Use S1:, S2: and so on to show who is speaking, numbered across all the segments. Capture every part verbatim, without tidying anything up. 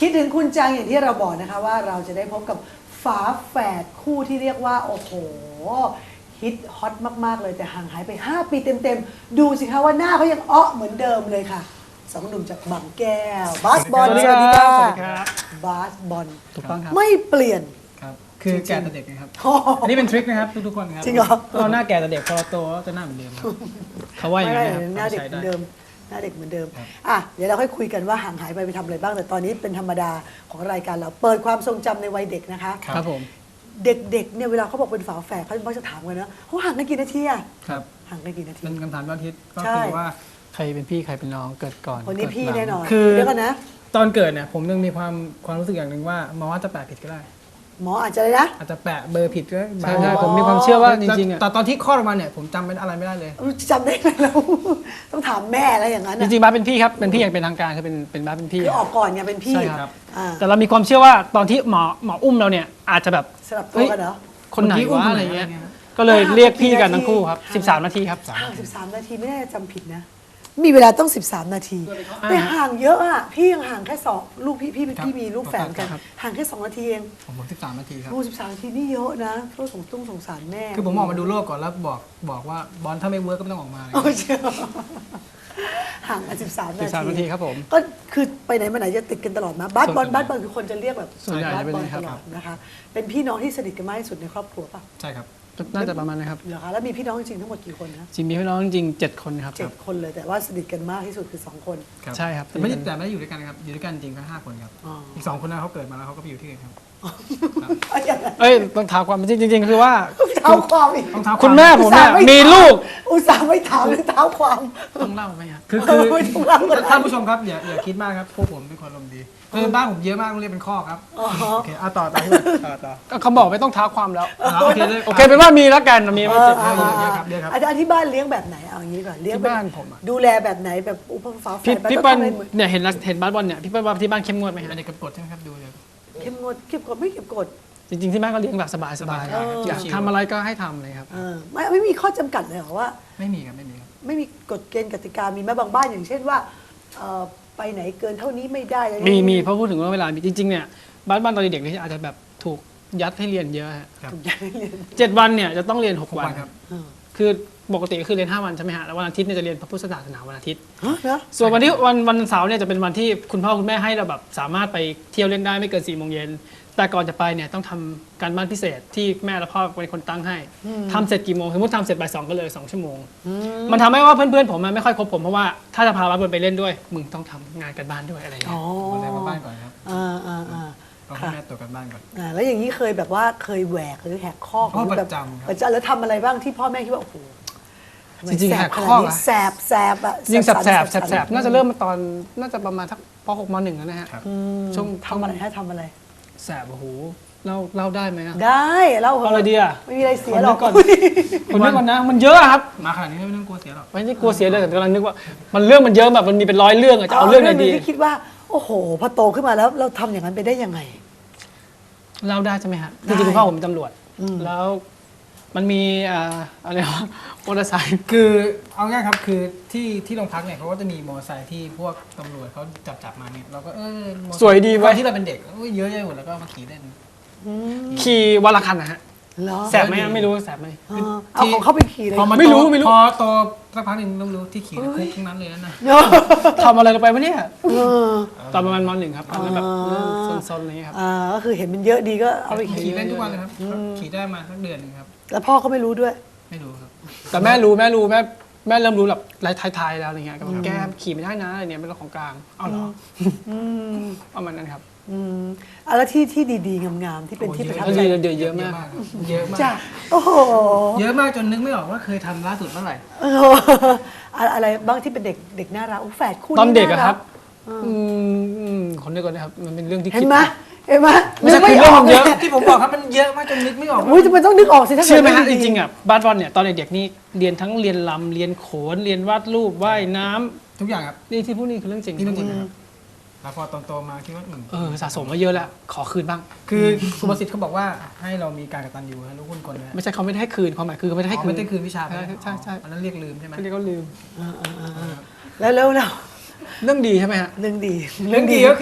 S1: คิดถึงคุณจังอย่างที่เราบอกนะคะว่าเราจะได้พบกับฝาแฝดคู่ที่เรียกว่าโอ้โหฮิตฮอตมากๆเลยแต่ห่างหายไปห้าปีเต็มๆดูสิคะว่าหน้าเขายังอ้อเหมือนเดิมเลยค่ะสองหนุ่มจากบางแก้วบาสบอล
S2: สวัสดีครับสวัสดีครับ
S1: บาสบอล
S2: ถูกต้องครับ
S1: ไม่เปลี่ยน
S2: ครับคือแก่แต่เด็กนะครับ
S1: โอ้โห
S2: อันนี้เป็นทริคนะครับทุกๆคนครับ
S1: จริงเหรอ
S2: เราหน้าแก่แต่เด็กพอเราโตก็จะหน้าเหมือนเดิมครับเขาว่าอย่าง
S1: ไม่
S2: นี้
S1: ได้
S2: ครับ
S1: หน้าเด็ก
S2: ใช้
S1: เหมื
S2: ได้
S1: อนเดิมหน้าเด็กเหมือนเดิม
S2: ครับ
S1: อ่ะเดี๋ยวเราค่อยคุยกันว่าห่างหายไปไปทำอะไรบ้างแต่ตอนนี้เป็นธรรมดาของรายการเราเปิดความทรงจำในวัยเด็กนะคะ
S2: ครับผม
S1: เด็กๆเนี่ยเวลาเขาบอกเป็นฝาแฝดเขามักจะถามกันนะเขาห่างกันกี่นาทีอะ
S2: ครับ
S1: ห่างกันกี่นาที
S2: เป็นคำถามยอดฮิตก็
S1: ใช่
S2: คือว่าใครเป็นพี่ใครเป็นน้องเกิดก่อน
S1: คนนี้
S2: เกิด
S1: พี่
S2: หลัง
S1: แน่นอน
S2: คือ
S1: เดี๋ยวกันนะ
S2: ตอนเกิดเนี่ยผมยังมีความความรู้สึกอย่างหนึ่งว่าหมอว่าจะแปะผิดก็ได้
S1: หมออาจจะเลยนะ
S2: อาจจะแปะเบอร์ผิดก็
S1: ใช่
S2: ได้
S1: อ๋อ
S2: ผมมีความเชื่อว่าจริงๆอ่ะแต่ตอนที่คลอดออกมาเนี่ยผมจำเป็นอะไรไม่ได้เลย
S1: จำได้ไหมเราต้องถามแม่อะไรอย่างนั้น
S2: จ
S1: อะ
S2: ริงๆบ้าสเป็นพี่ครับเป็นพี่อย่างเป็นทางการคือเป็นเป็นบ้าสเป็นพี่
S1: คือออกก่อนไงเป็นพี่
S2: ใช่ครับ
S1: อ่า
S2: แต่เรามีความเชื่อว่าตอนที่หมอหมออุ้มเราเนี่ยอาจจะแบบ
S1: สลับตัวกันเหรอ
S2: คนไหน
S3: คนที่อุ้ม
S2: วะ
S3: คน
S2: อะ
S3: ไหน
S2: ไรเงี้ย
S3: อะไรเงี้ย
S2: ก็เลยเรียกพี่กัน
S1: ห่าง
S2: ทั้งคู่ครับ
S1: ห่าง
S2: สิบสามนาทีครับ
S1: ห่างสิบสามนาทีไม่น่าจะจำผิดนะ มีเวลาต้องสิบสามนาทีแต่ห่างเยอะอะพี่ยังห่างแค่สองลูกพี่พี่พี่มีลูกแฝดกัน
S2: ครับ
S1: ห่างแค่สองนาทีเอง
S3: ผมผมสิบสามนาทีครับ
S1: ลูกสิบสามนาทีนี่เยอะนะก็สงตุ้งสงสารแม่
S2: คือผมออกมาดูโลกก่อนแล้วบอกบอกว่าบอลถ้าไม่เวิร์กก็ไม่ต้องออกมาเลย
S1: โอ้เชียวห่างกันสิบสามนา
S2: สิบสาม
S1: ที
S2: นาทีครับผม
S1: ก็คือไปไหนมาไหนจะติดกันตลอดมาบาสบอล
S2: ส่วนใหญ่
S1: บาสบอลคือคนจะเรียกแบบ
S2: ส่วนใหญ่
S1: บาส
S2: จะเป็น
S1: บอล
S2: อย่างนี้
S1: ต
S2: ครับ
S1: ลอดนะคะเป็นพี่น้องที่สนิทกันมากที่สุดในครอบครัวป่ะ
S2: ใช่ครับน่าจะประมาณนะครับ
S1: เหรอคะแล้วมีพี่น้องจริงๆทั้งหมดกี่คนนะ
S2: จริงมีพี่น้องจริงๆเจ็ดคนครับ
S1: เจ็ดคนเลยแต่ว่าสนิทกันมากที่สุดคือสองคน
S2: ใช่ครับ
S3: แต่ไม่ได้แต่ไม่ได้อยู่ด้วยกันนะครับ อยู่ด้วยกันจริงก็ห้าคนครับ
S1: อ๋อ
S3: อีกสองคนนั้นเขาเกิดมาแล้วเขาก็ไปอยู่ที่อื่นครับ
S1: เอาอย่างนั้น
S2: เอ้ยต้องถามความจริงจริงๆคือว่า
S1: เท้าความอีก
S3: ต้องเท้า
S2: คุณแม่ผมเนี่ย
S1: อุตส่าห์ไ
S2: มีลูก
S1: อุตส่าห์ไม่ถามเลยเท้าความ
S2: ต้องเล่าไหมครับ
S3: คือคือ
S1: ไม่ต้องเล่าก็ได้
S3: ท่านผู้ชมครับอย่าอย่าคิดมากครับพวกผมเป็นคนอารมณ์ดีคือบ้านผมเยอะมากต้องเรียกเป็นข้อครับ
S1: อ๋อ
S3: โอเคอ่ะต่อต่อที่ต่อต่อ
S2: ก็เขาบอกไม่ต้องท้าความแล้ว
S3: อ่ะโอเคเลย
S2: โอเคเป็นว่ามีแล้วกันมีไม่
S1: เอ
S2: เจ็
S1: อบ
S3: เยอะเยอะครับเยอะครับ
S1: อาจารย์ที่บ้านเลี้ยงแบบไหนเอาอย่างนี้ก่อนเลี้ยง
S2: ที่
S1: แบบ
S2: บ้านผมอะ
S1: ดูแลแบบไหนแบบอุปฝาแฝ
S2: พี่
S1: ดแบบ
S2: พี่
S1: ต้อง
S2: เปิ้ล
S1: ทำอะไรเหมือน
S2: เนี่ยเห็นแล้วเห็นบาสบอลเนี่ยพี่เปิ้ลว่าที่บ้านเข้มงวดไหมฮะ
S3: อันนี้กับกฎใช่ไหมครับดูเลย
S1: เข้มงวดเก็บกดไม่เก็บกด
S2: จริงๆที่บ้านก็เลี้ยงแบบสบายๆ
S3: เออ
S2: อยากทำอะไรก็ให้ทำเลยครับ
S1: เออไม่ไม่มีข้อจำกัดเลยเหรอว่า
S3: ไม่มีครับไม่มีครับ
S1: ไม่มีกฎเกณฑ์กติกามีไหมบางบ้านอย่างเช่นว่าเอ่อไปไหนเกินเท่านี้ไม่ได้อะไร
S2: มีมีเพราะพูดถึงว่าเวลามีจริงๆเนี่ยบ้านบ้านตอนเด็กๆเนี่ยอาจจะแบบถูกยัดให้เรียนเยอะฮะ
S3: ครับ
S1: ถูกอย่างเรียน
S2: เจ็ดวันเนี่ยจะต้องเรียนหก
S3: หก
S2: วั
S3: วัน นครับ
S1: เออ
S2: คือปกติก็คือเรียนห้าวันใช่ไหมฮะแล้ววันอาทิตย์เนี่ยจะเรียนพระพุทธศาสนาวันอาทิตย์
S1: ฮะเหรอ
S2: ส่วนวันที่วันวันเสาร์เนี่ยจะเป็นวันที่คุณพ่อคุณแม่ให้เราแบบสามารถไปเที่ยวเล่นได้ไม่เกินสี่โมงเย็นแต่ก่อนจะไปเนี่ยต้องทำการบ้านพิเศษที่แม่และพ่อเป็นคนตั้งให้ทำเสร็จกี่โมงสมมติทำเสร็จบ่ายสองก็เลยสองชั่วโมง มันทำให้ว่าเพื่อนๆผมมันไม่ค่อยคบผมเพราะว่าถ้าจะพาบ้านไปเล่นด้วยมึงต้องทำงานกันบ้านด้วยอะไรอย่าง
S1: อ๋
S2: เงี้
S1: อย
S3: วันแรกมาบ้านก่อนครับ
S1: อ่าอ่าอ่า
S3: ต้องให้แม่ตรวจกันบ้านก่อน
S1: อ่าแล้วอย่างนี้เคยแบบว่าเคยแหวกหรือแหกข้อ
S3: อ๋อ
S1: แบบ
S3: ประจำครับ
S1: ประจำแล้วทำอะไรบ้างที่พ่อแม่คิดว่าโอ้โหทำไม
S2: จริงๆ
S1: แส
S2: แห
S1: บ
S2: ก
S1: ข
S2: ข้
S1: นา
S2: อ
S1: ดนี้
S2: อะ
S1: แสบแสบอะ
S2: จริงๆแสบแสบ
S1: สัน
S2: แสบๆน่าจะเริ่มมาตอนน่าจะประมาณทักปหกมหนึ่งแล้วนะฮะ
S3: ครับ
S1: อืม
S2: ช่วง
S1: ทำอะไรให้ทำอะไร
S2: แสบโอ้โหเล่าเล่าได้ไหมอะ
S1: ได้เล่า
S2: เอาอะไรดีอะ
S1: ไม่มีอะไรเสียหรอก
S2: คนนึกก่อน คนนึกก่อนนะมันเยอะอะครับ
S3: มาขนาดนี้ไม่ต้องกลัวเสียหรอก
S2: ไม่ได้กลัวเสียเลยแต่กำลังนึกว่ามันเรื่องมันเยอะแบบมันมีเป็นร้อยเรื่องอะจะเอาเรื่องไหนดี
S1: ที่คิดว่าโอ้โหพอโตขึ้นมาแล้วเราทำอย่างนั้นไปได้ยังไง
S2: เล่าได้ใช่ไหมฮะ
S1: ได้
S2: จริงๆคุณพ่อผมเป็นตำรวจ
S1: อืม
S2: แล้วมันมีอ่าอะไรวะมอเตอร์ไซค์
S3: คือเอาง่ายครับคือที่ที่โรงพักเนี่ยเขาก็จะมีมอเตอร์ไซค์ที่พวกตำรวจเขาจับจับมาเนี่ยเราก็เออมอเตอร์ไซค์
S2: สวยดี
S3: ตอ
S2: เว้ย
S3: นที่เราเป็นเด็กเอ้ยเยอะแยะหมดแล้วก็มาขี่เล่น
S2: ขี่วันละคันนะฮะ
S1: เหรอ
S2: แสบไหมอะไม่รู้แสบไหม
S1: เออเอาของเขาไปขี่เลย
S3: พอมัน
S2: ไม่รู้
S3: โต
S2: ไม่รู้
S3: พอโตสักพักหนึ่งต้องรู้ที่ขี่นะคุกทั้งนั้นเลยนะ
S1: เนอะ
S2: ทำอะไรลงไปวะเนี่ย
S1: เออ
S2: ตอนประมาณมหนึ่งครับตอนนั้นแบบ
S1: อ่า
S2: เริ่มซนๆอะไรอย่างเงี้ยครับ
S1: อ่าก็คือเห็นมันเยอะดีก็เอาไปขี่
S3: ขี่เล่นทุกวันเลยครับขี่ได้มาสักเดือนหนึงครับ
S1: แล้วพ่อก็ไม่รู้ด้วย
S3: ไม่รู้ครับ
S2: แต่แม่รู้แม่รู้แม่แม่เริ่มรู้แบบไล่ท้ายๆแล้วอะไรเงี้ยก็บอกแกขี่ไม่ได้นะอะไรเนี่ยเป็นเรื่องของกลางเอาเหรอ
S1: อืม
S2: ประมาณนั้นครับ
S1: อืมอ่ะแล้วที่ที่ดีๆงามๆที่เป็นที่ประทับ
S2: โอ้
S1: ใจ
S2: เยอะเยอะเยอะมาก
S3: ครับเยอะมาก
S1: จ้ะโอ้โห
S3: เยอะมากจนนึกไม่ออกว่าเคยทำล่าสุดเมื่อไหร่
S1: เอออะอะไรบ้างที่เป็นเด็กเด็กน่ารักอุ๊ยแฝดคู่
S2: ตอนเด็กอะ
S1: า
S2: ครับอืมอืมคนเดียวกันนะครับมันเป็นเรื่องที่
S1: เห็
S2: คิ
S1: น
S2: ด
S1: ไหมเห็นไหม
S2: ไม่ใช่
S1: นึก
S2: คือเรื่องมันเยอะ
S1: ล
S3: ที่ผมบอกครับมันเยอะมากจนนึกไม่ออก
S1: อุ้ยมันต้องนึกออกสิถ้า
S2: เชื่อไหมฮะ
S1: กิด
S2: จ
S1: ว่าดี
S2: ริงๆอ่ะบ้านบอลเนี่ยตอนเด็กๆนี่เรียนทั้งเรียนลำเรียนโขนเรียนวาดรูปว่ายน้ำ
S3: ทุกอย่างครับ
S2: นี่ที่พูดนี่คือเรื่องจริง
S3: ที่ต้องจริงนะครับแล้วพอโตๆมาคิดว่าอืม
S2: เออสะสมมาเยอะแล้วขอคืนบ้าง
S3: คือสุภาษิตเขาบอกว่าให้เรามีการกตัญญูนะลูกคุณคนนะ
S2: ไม่ใช่เขาไม่ได้ให้คืนความหมายคือเขาไม่ได้ให้
S3: อ๋อ
S2: คืน
S3: ไม่ได้คืนวิชาไป
S2: ใช่ใช่ใช่
S3: อันนั้นเรียกลืมใช่ไหม
S2: เขาเรียกเขาลืม
S1: แล้วแล้วแล้ว
S2: เรื่องดีใช่ไหมฮะ
S1: เรื่องดี
S3: เรื่องดีก็คือ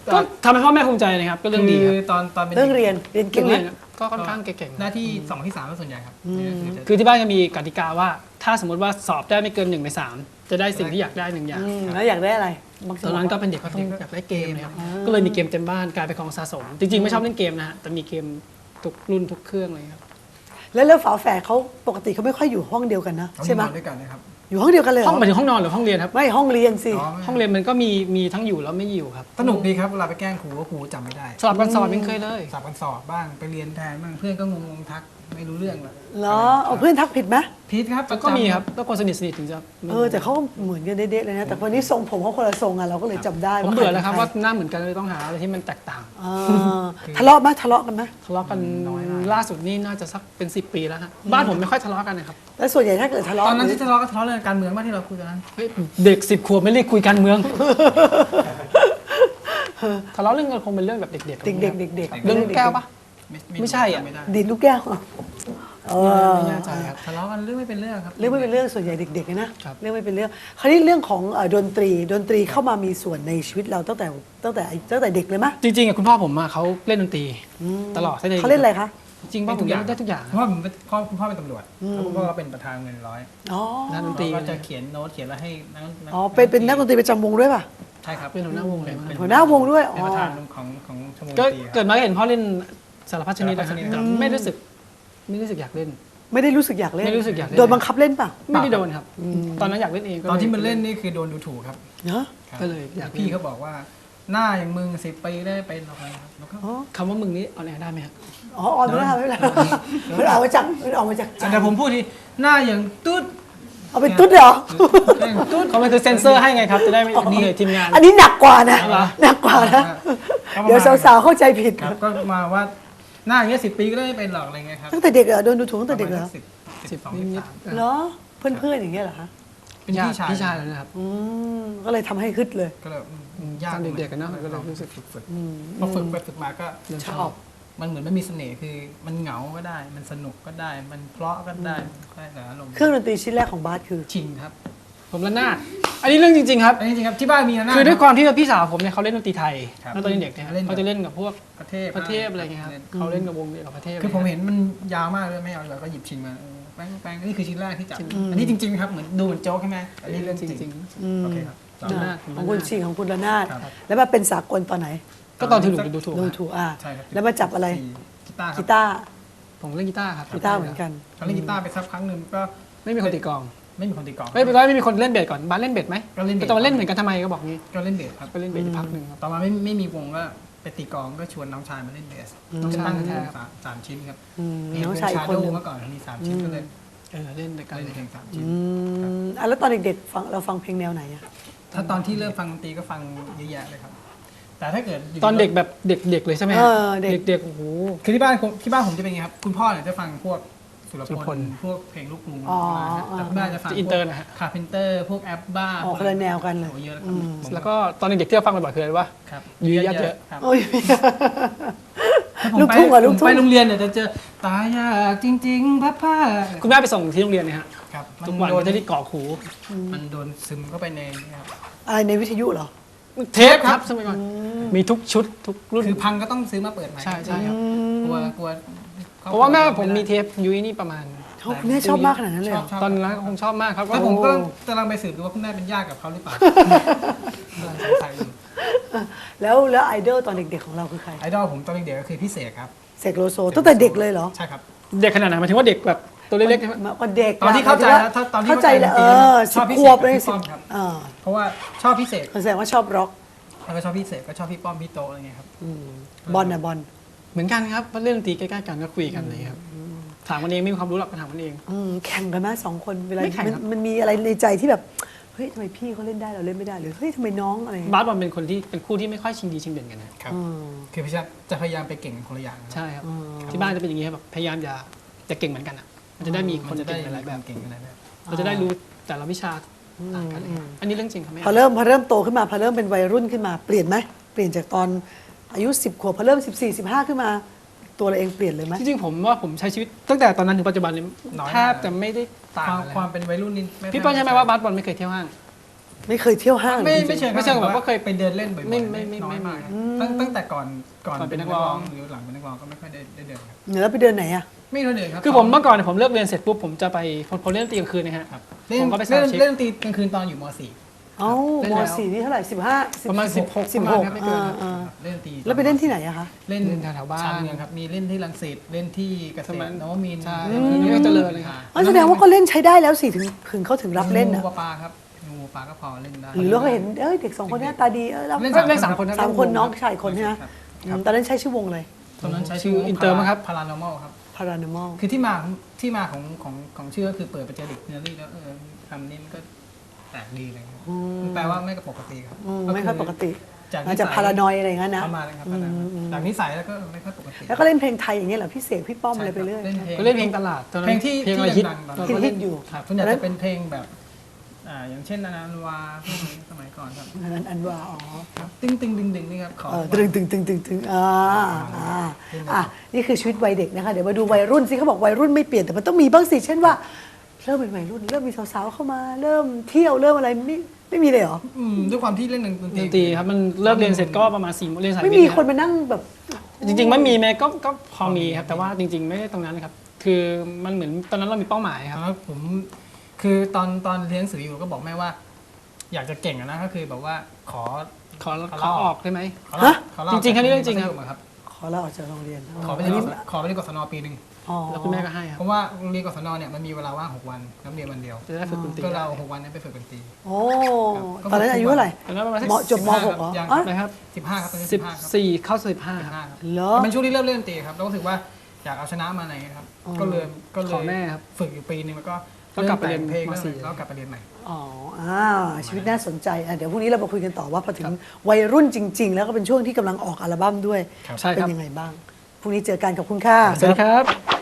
S2: ก็ทำให้พ่อแม่ภูมิใจนะครับก็เรื่องดี
S3: คื
S2: ค
S3: อ
S2: รับ
S3: ตอนตอนเป็น
S1: เรื่องเรียนเรียนเก่
S2: เรื่อง
S1: งไหม
S2: เรียนก็ค่อนข้างเก่งๆ
S3: หน้าที่สองที่สามก็ส่วนใหญ่ครับ
S1: อืม
S3: คือจะ
S2: คือที่บ้านจะมีกติกาว่า ถ้าสมมติว่าสอบได้ไม่เกินหนึ่งในสามจะได้สิ่งที่อยากได้หนึ่งอย่าง
S1: อืมแล้วอยากได้อะไรบาง
S2: ตอนนั้นก็เป็นเด็กก็ต้องอยากได้เกมนะครับก็เลยมีเกมเต็มบ้านกลายเป็นของสะสม จริงๆไม่ชอบเล่นเกมนะฮะแต่มีเกมทุกรุ่นทุกเครื่องเลยครับ
S1: แล้วแล้วฝาแฝดเขาปกติเขาไม่ค่อยอยู่ห้องเดียวกันนะ
S3: เขา
S1: ใช่ไหม
S3: นอนด้วยกันนะครับ
S1: อยู่ห้องเดียวกันเลยเหร
S2: ห้องหมายถึงห้องนอนหรือห้องเรียนครับ
S1: ไม่ห้องเรียนสิ
S3: อ๋อ
S2: ห้องเรียนมันก็มีมีทั้งอยู่แล้วไม่อยู่ครับ
S3: สนุกดีครับเวลาไปแกล้งครูก็ครูจำไม่ได้
S2: สลับกันสอบยังเคยเลย
S3: สอบกันสอบบ้างไปเรียนแทนบ้างเพื่อนก็งงๆทักไม่รู้เรื่องเลย
S1: เหรอเอาเพื่อนทักผิดไหม
S3: พีทครับ
S2: ก็มีครับแล้วคนสนิทสนิทถึงจะ
S1: เออแต่เขาเหมือนกันเด๊ะๆเลยนะแต่วันนี้ทรงผมเขาคนละทรงอ่ะเราก็เลยจำได้
S2: ผมเบื่อแล้วครับ
S1: ใ
S2: ว่าหน้าเหมือนกันเลยต้องหาอะไรที่มันแตกต่าง
S1: อ่าทะเลาะไหมทะเลาะกันไหม
S2: ทะเลาะกันน้อยมากล่าสุดนี่น่าจะสักเป็นสิบปีแล้วฮะบ้านผมไม่ค่อยทะเลาะกันนะครับ
S1: แล้วส่วนใหญ่ถ้าเกิดทะเลาะ
S3: ตอนนั้นที่ทะเลาะก็ทะเลาะเรื่องการเมืองมากที่เราคุยกันนั้น
S2: เฮ้ยเด็กสิบขวบไม่เรียกคุยการเมือง ทะเลาะเรื่องกันคงเป็นเรื่องแบบเด็กๆ
S1: เด็กๆเด็กๆเด็กๆ
S2: เรื่องแก้วปะ ไม่ใช่อะ
S3: ไม่ได้
S1: ดินลูกแก้วเออ
S2: ไม่แน่ใจครับ
S3: ทะเลาะกันเรื่องไม่เป็นเรื่องครับ
S1: เรื่องไม่เป็นเรื่องส่วนใหญ่เด็กๆนะครับเรื่องไม่เป็นเรื่อง คราวนี้เรื่องของเอ่อดนตรีดนตรีเข้ามามีส่วนในชีวิตเราตั้งแต่ตั้งแต่ตั้งแต่เด็กเลยมะ
S2: จริงๆอะคุณพ่อผมอะเขาเล่นดนตรีตลอดตั้งแต่
S1: เขาเล่นอะไรคะ
S2: จริงๆพ่อผมเล่นได้ทุกอย่าง
S3: เพราะว่าผมเป็นพ่อคุณพ่อเป็นตำรวจแล้วคุณพ่อก็เป็นประธานเงินร้อย
S1: อ๋อ
S2: นักดนตรี
S3: เราก็จะเขียนโน้ตเขียนแล้วให้นัก
S1: อ๋อเป็นเป็นนักดนตรีประจำวงด้วยป่ะ
S3: ใช่ครับ
S2: เป็นหัวหน้าวงเลย
S3: ป็
S1: หัวหน้าวงด้วย
S3: เป็น
S1: อ๋อ
S3: ประธานของของชมรมด
S2: ก็
S3: นตรีค
S2: เกิ
S3: รับ
S2: ดมาก็เห็นพ่อเล่นสารพัดชนิดนะ
S3: สารพัดชนิด
S2: แต่ไม่รู้สึกไม่รู้สึกอยากเล่น
S1: ไม่ได้รู้สึกอยากเล่น
S2: ไม่รู้สึกอยากเล่น
S1: โดนบังคับเล่นป่ะ
S2: ไม่ได้โดนครับ ตอนนั้นอยากเล่นเองก็
S3: ตอนที่มันเล่นนี่คือโดนดูถูกครับ
S1: เนาะ
S3: ครับ
S2: ก็เลยอยาก
S3: พี่เขาบอกว่าหน้าอย่างมึงสิบปีได้เป็นหรอกนะครับแล้วก็
S1: อ๋อ
S2: คำว่ามึงนี่เอาไหนได้ไหมครับ
S1: อ๋อออนไม่ได้ไม่เป็นไรมันออกมาจากมันออกมาจากใจ
S3: แต่ผมพูดทีหน้าอย่างตุ๊ด
S1: เอาเป็นตุ๊ดเหรอ
S2: ตุ๊ดเขามันคือเซ็นเซอร์ให้ไงครับ จะได้ไม่เหนื่อยทีมงาน
S1: อันนี้หนักกว่านะ
S2: เหรอ
S1: หนักกว่านะ
S3: ก็ประมณ
S1: เดี๋ยวสาวๆเข้าใจผิด
S3: ครับก็มาว่าหน้าอย่างเงี้ยสิบปีก็ได้เป็นหรอกอะไรเงี้ยครับ
S1: ตั้งแต่เด็กเหรอโดนดูถูกตั้งแต่เด็กเหรอ
S3: สิบ
S2: สิ
S3: สิ
S2: บบ
S3: สอง
S2: นิ
S3: สิบ
S2: ด
S3: สาม
S1: เหรอเพื่อนๆอย่างเงี้ยเหรอคะ
S3: เป็นพี่ชาย
S2: พี่ชายแล้วนะครับ
S1: อืมก็เลยทำให้ฮึดเลย
S3: ก็เลยอืมยาก
S2: ตอนเด็กๆกันเนอะก็เลยรู้สึก
S3: ฝึกฝึกพอฝึกไปฝึกมาก็
S1: ชอบ
S3: มันเหมือนมันมีเสน่ห์คือมันเหงาก็ได้ มันสนุกก็ได้ มันเพราะก็ได้ได้แต่อารมณ์
S1: เครื่องดนตรีชิ้นแรกของบาสคือ
S3: ชิงครับ
S2: ผมระนาดอันนี้เรื่องจริงๆครับ
S3: อันนี้จริงครับที่บ้านมีนะ
S2: คือด้วยความที่ว่าพี่สาวผมเนี่ยเขาเล่นดนตรีไทย
S3: ครับ
S2: แล้วตอนเด็กๆเนี่ย
S3: เล่น
S2: เขาจะเล่นกับพวก
S3: ประเทศ
S2: ประเทศอะไรเงี้ยครับเขาเล่นกับวงเดียวกับประเทศ
S3: คือผมเห็นมันยาวมากเลยไม่เอาเราก็หยิบชิงมาเออแป้งแป้งนี่คือชิ้นแรกที่จับอันนี้จริงๆครับเหมือนดูเหมือนโจ๊กใช่ไหมอันนี้เรื่องจ
S2: จ
S3: ริ
S2: ริ
S3: ง
S2: ง
S3: ๆโอเคครับ
S2: จำได้
S1: ของคุณชิงของคุณระนาด
S3: ครับ
S1: แล้วมาเป็นสากลตอนไหน
S2: ๆก็ตอนที่หนูดูถูก
S1: ดู
S2: อะ
S1: ถูกอ่ะ
S3: ใช่ครับ
S1: แล้วมาจับอะไร
S3: กีตาร์ค
S1: กี
S3: รับ
S1: ตาร์
S2: ผมเล่นกีตาร์ครับ
S1: กีตาร์เหมือนกัน
S3: เขาเล่นกีตาร์ไปสักพักหนึ่งก็
S2: ไม่มีคนตีกลอง
S3: ไม่มีคนตีกลอง
S2: ไม่เป็นไรไม่มีคนเล่นเบสก่อนบ้านเล่นเบสไหม
S3: ก็เล่นเบส
S2: แต่ตอนเล่นเหมือนกันทำไมก็บอกงี้
S3: ก็เล่นเบสครับ
S2: ก็เล่นเบสอยู่พักหนึ่งครับ
S3: ต่อมาไม่ไม่มีวงก็ไปตีกลองก็ชวนน้องชายมาเล่นเบส
S2: น้องชาย
S3: ตั้ง
S2: แท้
S3: สามสามชิ้นครับ
S1: อืม
S3: มี
S1: น้องชายอีกคนหนึ่ง
S3: เมื่อก่อนมีสามชิ้นก็เลย
S2: เออเล่นด้วยกัน
S3: เล่นเพลงสามชิ้น
S1: อืมอ่ะแล้วตอนเด็กๆฟังเราฟังเพลงแนวไหนอ่ะ
S3: ถ้าตอนที่เริ่มฟังดนตรีก็ฟังเยอะแยะเลยครับ แต่ถ้าเกิดยู่
S2: ตอนเด็กแบบเด็กๆเลยใช่ไหม
S1: เออเด็ก
S2: เด็กๆโอ้โห
S3: คือที่บ้านผมที่บ้านผมจะเป็นไงครับ คุณพ่อเนี่ยจะฟังพวกสุร
S2: สุร
S3: พ
S2: พ
S3: ล
S2: ล
S3: พวกเพลงลูกกรุง
S1: อ๋อ
S3: แต่คุณแม่จะฟัง
S2: จะอินเตอร์นะฮะ
S3: คาเพนเตอร์พวกแอปบ้า
S1: ออกคนละแนวกันเลย
S3: โอ้เยอะ
S1: อืม
S2: แล้วก็ตอนเด็กๆที่เราฟังบ่อยๆคืออะไรวะ
S3: ครับ
S2: ยุ้ยยัดเยอะ
S3: ครับ
S1: โอ้ย
S3: ถ้าผม
S1: ลูก
S3: ไป
S1: ทุ่งเหรอลูก
S3: ผม
S1: ทุ่ง
S3: ไปโรงเรียนเนี่ยจะเจอตายยากจริงๆพ่อพ่อ
S2: คุณแม่ไปส่งที่โรงเรียนเนี่ยฮะ
S3: ครับ
S2: ทุกวัน
S3: โด
S2: ก็
S3: น
S2: จะได้กรอกหู
S3: มันโดนซึมเข้าไปในนี่ครับ
S1: อะไรในวิทยุเหรอ
S2: เทปครับสมัยก่อนมีทุกชุดทุกรุ่น
S3: คือพังก็ต้องซื้อมาเปิดใหม่
S2: ใช่ใช่ครับ
S3: กลัวกลัว
S2: เพราะว่าแม่ผมมีเทปยุ้ยนี่ประมาณ
S1: เขาคุณแม่ชอบมากขนาดนั้นเลย
S3: ช
S1: เหร
S3: อบ
S1: อ
S3: ชอบ
S2: ตอนนั้นคงชอบมากครับก็
S3: แล้วผมก็
S1: โอ้
S3: กำลังไปสืบดูว่าคุณแม่เป็นญาติกับเขาหรือเปล่า กำลังสงสัยอยู่
S1: แล้วแล้วไอดอลตอนเด็กๆของเราคือใคร
S3: ไอดอลผมตอนเด็กๆก็คือพี่เสกครับ
S1: เสกโลโซตั้งแต่เด็กเลยเหรอ
S3: ใช่ครับ
S2: เด็กขนาดไหนหมายถึงว่าเด็กแบบตัวเล็กๆใช่ไหม
S1: มาก็เด็ก
S3: ตอนที่เข้าใจ
S1: หมย
S3: แล้ว
S1: ถึง
S3: ตอนที่
S1: เข้าใจแล้วเออ
S3: ช
S1: สิ
S3: อ
S1: บบ
S3: พี่
S1: ข
S3: เส
S1: ว
S3: ก
S1: บเลย
S3: พี่
S1: สิ
S3: ป้
S1: บ
S3: อมครับ
S1: อ่า
S3: เพราะว่าชอบพี่เสก
S1: แสดงว่าชอบร็อก
S3: แล้วก็ชอบพี่เสกก็ชอบพี่ป้อมพี่โตอะไรเงี้ยครับ
S1: อืมบอลนะบอล
S2: เหมือนกันครับเพราะเล่นดนตรีใกล้ๆกันก็คุยกันเลยครับถามกันเองไม่มีความรู้หรอกก็ถามกันเอง
S1: อืมแข่งกันไหมสองคนเวลา
S2: ไม่แข่ง
S1: มัน
S2: ครับ
S1: มันมีอะไรในใจที่แบบเฮ้ยทำไมพี่เขาเล่นได้เราเล่นไม่ได้หรือเฮ้ยทำไมน้องอะไรอย่างเงี้ย
S2: บาสบอลเป็นคนที่เป็นคู่ที่ไม่ค่อยชิงดีชิงเด่นกันนะครับ
S1: อืม
S3: คือพี่ชายจะพยายามไปเก่งคนละอย่างครับ
S2: ใช่ครับ
S1: อืม
S2: ที่บ้านจะเป็นอย่างนี้ครับแบบพยายามจะจะเก่งเหมือนกันอ่ะมันจะได้มีค
S3: มัน
S2: น
S3: จะได้
S2: เก่งหลายๆแบบ
S3: เก่งหลายแบบ
S2: เราจะได้รู้แต่ละวิชาต่างกันเลยครับอันนี้เรื่องจริงครับแม่
S1: พอเริ่มพอเริ่มโตขึ้นมาพอเริ่มเป็นวัยรุ่นขึ้นมาเปลี่ยนไหมเปลี่ยนจากตอนอายุสิบขวบพอเริ่มสิบสี่สิบห้าขึ้นมา ตัวเราเองเปลี่ยนเลยไหม
S2: จริงๆผมว่าผมใช้ชีวิตตั้งแต่ตอนนั้นถึงปัจจุบันเนี่ย
S3: น้อยมาก
S2: แทบจะไม่ได้ต่าง
S3: ความ
S2: อะไร
S3: ความเป็นวัยรุ่นนี่
S2: พี่เปิ้ลใช่ไหมว่าบาสบอลไม่เคยเที่ยวห้าง
S1: ไม่เคยเที่ยวห้าง
S3: ไม่
S1: จริงๆ
S3: ไม่เชิง
S2: ไม่เชิงแบบ
S3: แต่
S2: ว่าเคย
S3: ไปเดินเล่นบ่อยๆ
S2: ไม่ไม่ไม่
S3: น้อยมาก
S2: ไม่
S3: ตั้งตั้งแต่ก่อนก่อน
S2: ก่อนเป็นนักร้อง
S3: หรือหลังเป็นนักร้องก็ไม่ค่อยได้ได้เดินครับ
S1: แล้วไปเดินไหนอะ
S3: ไม่ค่อยเดินครับ
S2: คือผมเมื่อก่อนเนี่ยผมเลิกเรียนเสร็จปุ๊บผมจะไปผมผมเล่นดนตรีกลางคืนนะฮะ
S3: ครับเล่น
S2: ผมก็ไป
S3: เล่น
S2: sound check
S3: เล่นดนตรีกลางคืนตอนอยู่ม .สี่
S1: เอ้า
S2: เล่น
S1: ม
S2: แล้ว
S1: สี่นี่เท่าไหร่สิบห้า
S2: ประมาณสิบหก
S1: สิบ
S2: ประ
S1: ห
S2: มาณ
S1: ก
S2: นั้นไม่เกินครับ
S1: อ่า
S3: เล่นดนตรี
S1: ๆแล้วไปเล่นที่ไหนอะคะ
S3: เล่น
S2: เล่นแถวๆบ้าน
S3: ชานเมืองครับมีเล่นที่รังสิตเล่นที่เกษ
S2: สมั
S3: ต
S2: ย
S3: รนวมินทร์
S2: ใช่
S3: อืม
S2: นี่ก็เจริญเลยครับ
S1: อ๋อแสดงว่าก็เล่นใช้ได้แล้วสิถึงถึงเขาถึงรับเล่น
S3: งู
S1: อะ
S3: ปลาปลาครับงูปลาก็พอเล่นได้
S1: หรือเราก็เห็นเอ้ยเด็กสองคนหน้าตาดีเออเรา
S3: เล่น
S2: เล่นสามคนนะ
S1: สามคน
S2: เล่นวง
S1: น้องชายคนใช่ไหม
S3: ครับ
S1: อืมตอนนั้นใช้ชื่อวงเลย
S3: ตอนนั้นใช้
S2: ชื่อ Inter มั้งครับ
S3: พารานอมอลครับ
S1: Paranormal
S3: คือที่มาของที่มาของของของชื่อก็คือเปิดไปเจอเด็กเนอรี่แล้วเออคำนี้มันก็แปลกดีอะไรเงี้ย
S1: อืม
S3: มันแปลว่าไม่ปกติครับ
S1: อืม
S3: ก็
S1: ไม่ค่อยปกติ
S3: จาก
S1: อาจจะพารานอยอะไรอย่างนั้นนะ
S3: ประมาณนั้นครับ
S1: อืมอืม
S3: จากนิสัยแล้วก็ไม่ค่อยปกติ
S1: แล้วก็เล่นเพลงไทยอย่างเงี้ยเหรอพี่เสกพี่ป้อมอะไรไปเรื่อย
S3: เล่นเพลง
S2: ก็เล่นเพลงตลาดตอนนั้น
S3: เพลงที่
S2: เพลงอะไร
S3: ที่
S2: ฮิต
S3: ดังๆตอน
S2: เรา
S3: นั้น
S2: ก็
S1: ฮิ
S2: เล่
S1: ต
S2: น
S1: ๆอยู่
S3: ครับส่วนใหญ่จะเป็นเพลงแบบอ่าอย่างเช่นนานานุวาพวกนี้สมัยก่อนครับ
S1: อันนั้นอันว่าอ๋อ
S3: ครับตึ้งตึงดึงดึงนี่ครับขอ
S1: เออตึงตึงตึงตึงตึงอ่าอ่าอ่ะนี่คือชีวิตวัยเด็กนะคะเดี๋ยวมาดูวัยรุ่นสิเขาบอกวัยรุ่นไม่เปลี่ยนแต่มันต้องมีบ้างสิเช่นว่าเริ่มเป็นวัยรุ่นเริ่มมีสาวๆเข้ามา เริ่มเที่ยวเริ่มอะไรไม่ไม่มีเลยเหรอ
S3: อืมด้วยความที่เล่นดน
S2: ด
S3: ตรี
S2: นตรีครับมันเลิกเรียนเสร็จก็ประมาณสี่โมงเรียนสาย
S1: ไม่
S2: วิท
S1: มี
S2: ย์
S1: คนมานั่งแบบ
S2: จริงๆไม่มีแม้ก็ก็พอมีครับแต่ว่าจริง ๆ ไม่ได้ตรงนั้นครับ คือมันเหมือนตอนนั้นเรามีเป้าหมายครับ
S3: แล้วผมคือตอนตอนเรียนหนังสืออยู่ก็บอกแม่ว่า อยากจะเก่งอะนะก็คือแบบว่าขอ
S2: ขอขอออกได้ไหม
S3: ขอลาขอลา
S2: จริงๆแค่นี้เรื่องจริงครับ
S3: มัธยมอะครับ
S1: ขอลาออกจากโรงเรียน
S3: ขอไปเรียนขอไปเรียนกศนปีหนึ่ง
S1: อ๋อ
S2: แล้วคุณแม่ก็ให้ครั
S3: เพ
S2: บ
S3: ราะว่าโรงเรียนกศนเนี่ยมันมีเวลาว่างหกวันแล้วเรียนวันเดียว
S2: จะได้ฝึกดนตรี
S3: ก็เราหกวันนี้ไปฝึกดนตรี
S1: โอ้ตอนนั้นอายุเท่าไหร่
S2: ตอนนั้นประมาณสัก
S1: มจบมหกเหรอ
S3: ยัง
S1: อ๋อ
S2: นะครับ
S3: สิบห้าครับตอนนี้
S2: สิ
S3: สิ
S2: บบ
S3: ห้าครับ
S2: สี่เข้าสิบห้า
S3: สิบห้าครับ
S1: เหรอ
S3: เป็นช่วงที่เริ่มเล่นดนตรีครับแล้วก็รู้สึกว่าอยากเอาชนะมาในครับ
S1: อ๋อ
S3: ก็เลยก็เลย
S2: ขอแม่ครับ
S3: ฝึกอยู่ปีหนึงแล้วก็
S2: ก็กลับไปเรียน
S3: มแต่งเพลง
S2: มสี่
S3: แล้วก็กลับไปเรียนใหม่
S1: อ๋ออ่าชีวิตน่าสนใจอ่ะเดี๋ยวพรุ่งนี้เรามาคุยกันต่อว่าพอถึงวัยรุ่นจริง ๆ แล้วก็เป็นช่วงที่กำลังออกอัลบั้มด้วย
S3: ครับ
S2: ใช่
S1: เป็น
S2: ครับ
S1: ยังไงบ้างพรุ่งนี้เจอกันกับคุณค่ะ
S2: สวัสดีครับ